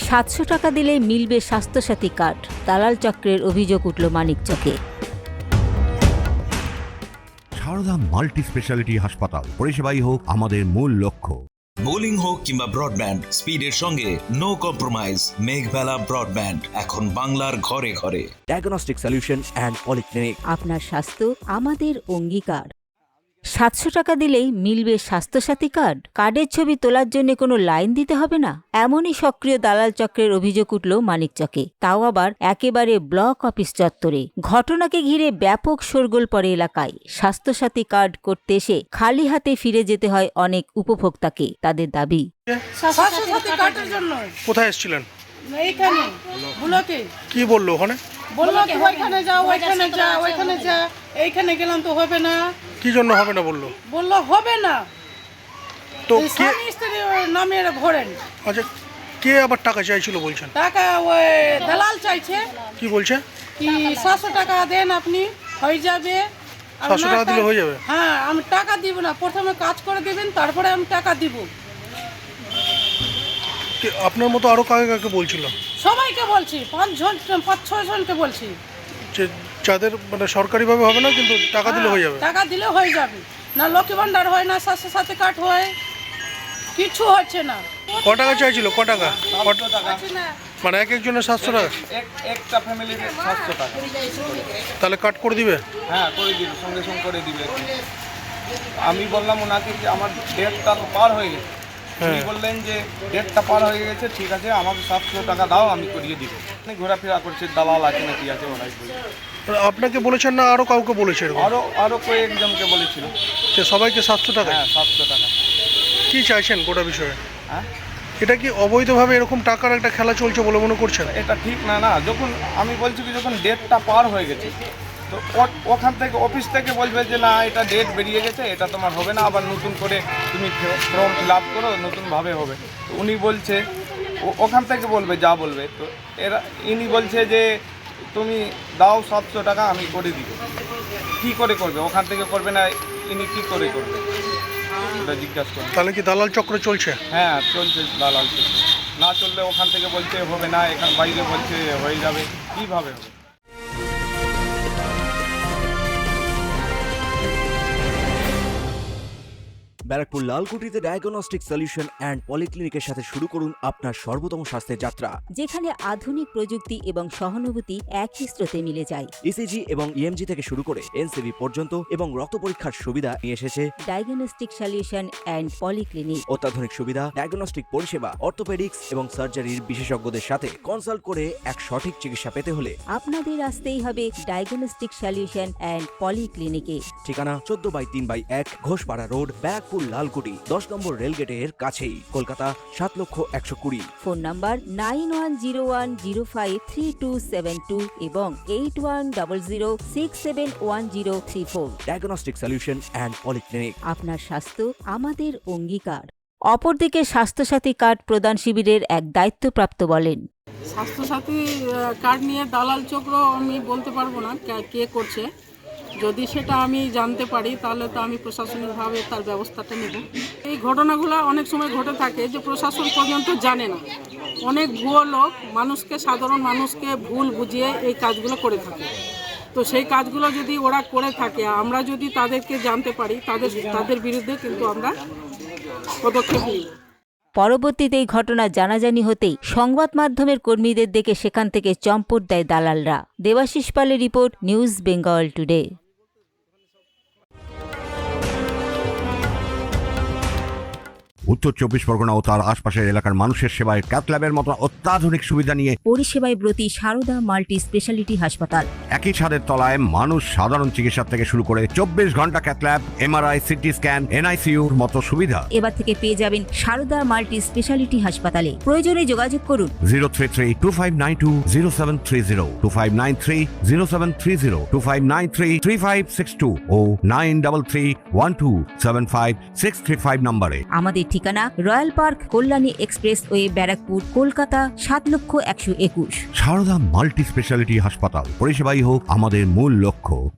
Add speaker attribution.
Speaker 1: 700 টাকা দিলেই মিলবে স্বাস্থ্যসাথী কার্ড। দালাল চক্রের অভিযোগ উঠল মানিকচকে।
Speaker 2: সারদা মাল্টি স্পেশালিটি হাসপাতাল, পরিষেবাই হোক আমাদের মূল লক্ষ্য।
Speaker 3: বোলিং হোক কিংবা ব্রডব্যান্ড, স্পিডের সঙ্গে নো কম্প্রোমাইজ। মেঘবেলা ব্রডব্যান্ড এখন বাংলার ঘরে ঘরে।
Speaker 4: Diagnostic solution and polyclinic.
Speaker 1: আপনার স্বাস্থ্য আমাদের অঙ্গীকার। 700 টাকা দিলেই মিলবে স্বাস্থ্যসাথী কার্ড। কার্ডের ছবি তোলার জন্য কোনো লাইন দিতে হবে না, এমনই সক্রিয় দালাল চক্রের অভিযোগ উঠল মানিকচকে, তাও আবার একেবারে ব্লক অফিস চত্বরে। ঘটনাকে ঘিরে ব্যাপক শোরগোল পড়ে এলাকায়। স্বাস্থ্যসাথী কার্ড করতে এসে খালি হাতে ফিরে যেতে হয় অনেক উপভোক্তাকে। তাদের দাবি,
Speaker 5: স্বাস্থ্যসাথী কার্ডের জন্য
Speaker 6: কোথায় এসেছিলেন?
Speaker 5: এইখানে ব্লকে
Speaker 6: কি বললো ওখানে?
Speaker 5: বললো কি ওইখানে যাও, ওইখানে যা, ওইখানে যা। এইখানে গেলাম তো হবে না।
Speaker 6: কি জন্য হবে না বললো?
Speaker 5: বললো হবে না,
Speaker 6: তো
Speaker 5: এই
Speaker 6: কে?
Speaker 5: স্বামী স্ত্রী নামে ভরেন
Speaker 6: আচ্ছা, কে আবার টাকা চাইছিল বলছেন?
Speaker 5: টাকা। ওই দালাল চাইছে
Speaker 6: কি বলছে?
Speaker 5: কি 700 টাকা দেন আপনি, হয়ে যাবে। আর
Speaker 6: 700
Speaker 5: না
Speaker 6: টাকা দিলে হয়ে যাবে?
Speaker 5: হ্যাঁ, আমি টাকা দিব না, প্রথমে কাজ করে দিবেন, তারপরে আমি টাকা দিব।
Speaker 6: আপনার মতো আরো কাকে কাকে বলছিল?
Speaker 5: সবাইকে বলছি, 5-6 জনকে বলছি।
Speaker 6: যে যাদের মানে সরকারিভাবে হবে না, কিন্তু টাকা দিলে হয়ে যাবে?
Speaker 5: টাকা দিলে হয়ে যাবে। না লক্ষ্মী ভান্ডার হয়, না স্বাস্থ্যসাথী কার্ড হয়, কিছু হচ্ছে না।
Speaker 6: ক টাকা চাইছিল? ক টাকা?
Speaker 5: হচ্ছে না।
Speaker 6: মানে এক একজনের 700 টাকা?
Speaker 7: একটা ফ্যামিলির 700 টাকা।
Speaker 6: তাহলে কাট করে দিবে?
Speaker 7: হ্যাঁ, করে দিবে, সঙ্গে সঙ্গে করে দিবে। আমি বললাম ওনাকে যে আমার ডেটটা তো পার হয়ে গেছে। উনি বললেন যে ডেটটা পার হয়ে গেছে, ঠিক আছে আমাকে 700 টাকা দাও, আমি করিয়ে দিব। ঘোরাফেরা করছে, দালাল আছে নাকি আছে ওরাই বলছে।
Speaker 6: আপনাকে বলেছেন না আরো কাউকে বলেছে এরকম?
Speaker 7: আরো কয়েকজনকে বলেছিল।
Speaker 6: যে সবাইকে 700 টাকা?
Speaker 7: হ্যাঁ, 700 টাকা।
Speaker 6: কি চাইছেন গোটা বিষয়ে?
Speaker 7: হ্যাঁ,
Speaker 6: এটা কি অবৈধভাবে এরকম টাকার একটা খেলা চলছে বলে মনে করছেন?
Speaker 7: এটা ঠিক না। না, যখন আমি বলছি কি যখন ডেটটা পার হয়ে গেছে, তো ওখান থেকে অফিস থেকে বলবে যে না এটা ডেট বেরিয়ে গেছে, এটা তোমার হবে না, আবার নতুন করে তুমি ফর্ম ফিল আপ করো, নতুনভাবে হবে। তো উনি বলছে ওখান থেকে বলবে, যা বলবে। তো ইনি বলছে যে তুমি দাও 700 টাকা, আমি করে দিব। কী করে করবে? ওখান থেকে করবে না, ইনি কী করে করবে এটা জিজ্ঞাসা করবে।
Speaker 6: তাহলে কি দালাল চক্র চলছে?
Speaker 7: হ্যাঁ, চলছে দালাল চলছে। না চললে ওখান থেকে বলছে হবে না, এখান বাইরে বলছে হয়ে যাবে। কীভাবে হবে?
Speaker 4: ব্যারাকপুর লালকুটিতে ডায়াগনস্টিক সলিউশন অ্যান্ড পলিক্লিনিকের সাথে শুরু করুন আপনার সর্বোত্তম স্বাস্থ্যের যাত্রা।
Speaker 1: যেখানে আধুনিক প্রযুক্তি এবং সহানুভূতি একই স্রোতে মিলে যায়।
Speaker 4: ইসিজি এবং ইএমজি থেকে শুরু করে এনসিবি পর্যন্ত এবং রক্ত পরীক্ষার সুবিধা নিয়ে এসেছে
Speaker 1: ডায়াগনস্টিক সলিউশন অ্যান্ড পলিক্লিনিক।
Speaker 4: অত্যাধুনিক সুবিধা, ডায়াগনস্টিক পরিষেবা, অর্থোপেডিক্স এবং সার্জারির বিশেষজ্ঞদের সাথে কনসাল্ট করে এক সঠিক চিকিৎসা পেতে হলে
Speaker 1: আপনাদের আসতেই হবে ডায়াগনস্টিক সলিউশন অ্যান্ড পলিক্লিনিকে।
Speaker 4: ঠিকানা 14/3/1 ঘোষপাড়া রোড, ব্যারাকপুর লালকুটি, 10 নম্বর রেলগেটের কাছেই, কলকাতা 7,120,000।
Speaker 1: ফোন নাম্বার 9101053272 এবং 8100671034।
Speaker 4: Diagnostic solution and polyclinic.
Speaker 1: আপনার স্বাস্থ্য আমাদের অঙ্গীকার। অপরদিকে স্বাস্থ্যসাথী কার্ড প্রদান শিবিরের এক দায়িত্বপ্রাপ্ত বলেন,
Speaker 5: স্বাস্থ্যসাথী কার্ড নিয়ে দালাল চক্র আমি বলতে পারবো না কে করছে। যদি সেটা আমি জানতে পারি তাহলে তো আমি প্রশাসনিকভাবে তার ব্যবস্থাটা নেব। এই ঘটনাগুলো অনেক সময় ঘটে থাকে যে প্রশাসন পর্যন্ত জানে না। অনেক ভুয়ো লোক সাধারণ মানুষকে ভুল বুঝিয়ে এই কাজগুলো করে থাকে। তো সেই কাজগুলো যদি ওরা করে থাকে, আমরা যদি তাদেরকে জানতে পারি, তাদের বিরুদ্ধে কিন্তু আমরা পদক্ষেপ নিই।
Speaker 1: পরবর্তীতে এই ঘটনা জানাজানি হতেই সংবাদ মাধ্যমের কর্মীদের দেখে সেখান থেকে চম্পট দেয় দালালরা। দেবাশিস পালের রিপোর্ট, নিউজ বেঙ্গল টুডে।
Speaker 2: উত্তর 24 পরগনা ও তার আশপাশের এলাকার মানুষের সেবায় ক্যাথল্যাবের মতো অত্যাধুনিক সুবিধা নিয়ে
Speaker 1: পরিষেবায় ব্রতী সারদা মাল্টি স্পেশালিটি হাসপাতাল।
Speaker 2: একই ছাদের তলায় মানুষ সাধারণ চিকিৎসা থেকে শুরু করে 24 ঘন্টা ক্যাথল্যাব, এমআরআই, সিটি স্ক্যান, এনআইসিইউর মতো সুবিধা
Speaker 1: এবার থেকে পেয়ে যাবেন সারদা মাল্টি স্পেশালিটি হাসপাতালে। প্রয়োজনে যোগাযোগ করুন
Speaker 2: 033-2592-0730, 2593-0730, 2593-3562 ও 9331275635 নম্বরে।
Speaker 1: আমাদের ঠিকানা Royal Park, Kalyani expressway, Barrackpore, Kolkata 7,121,000।
Speaker 2: Sarada multi speciality হাসপাতাল, পরিষেবাই হোক আমাদের মূল লক্ষ্য।